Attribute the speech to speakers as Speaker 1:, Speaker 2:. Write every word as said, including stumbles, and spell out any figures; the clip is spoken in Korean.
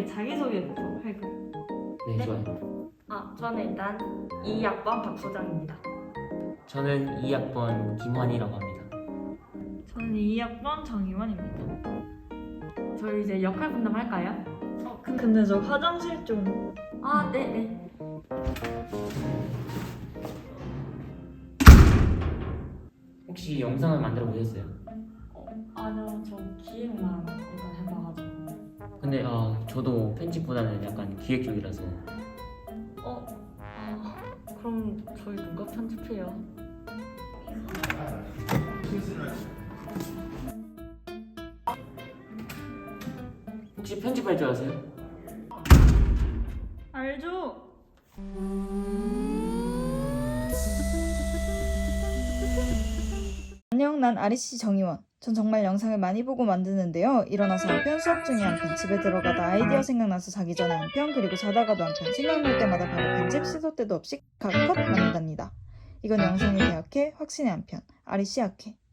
Speaker 1: 간단하게 자기소개부터 할까요?
Speaker 2: 네,
Speaker 1: 네.
Speaker 2: 좋아요.
Speaker 1: 아, 저는 일단 이 학번 박소장입니다.
Speaker 2: 저는 이 학번 김환이라고 합니다.
Speaker 1: 저는 이 학번 정희원입니다. 저희 이제 역할 분담할까요? 어, 근데, 근데 저 화장실 좀... 아, 네네.
Speaker 2: 혹시 영상을 만들어 보셨어요?
Speaker 1: 어, 아니요, 저 기획만 일단 해봐가지고.
Speaker 2: 근데 아, 저도 편집보다는 약간 기획 쪽이라서
Speaker 1: 어? 아, 그럼 저희 누가 편집해요?
Speaker 2: 혹시 편집할 줄 아세요?
Speaker 1: 알죠?
Speaker 3: 안녕, 난 아리씨 정희원. 전 정말 영상을 많이 보고 만드는데요. 일어나서 한 편, 수업 중에 한 편, 집에 들어가다 아이디어 생각나서 자기 전에 한 편, 그리고 자다가도 한 편, 생각날 때마다 바로 편집, 시도 때도 없이 각컷 만든답니다. 이건 영상에 대학해, 확신의 한 편, 아리씨 학회.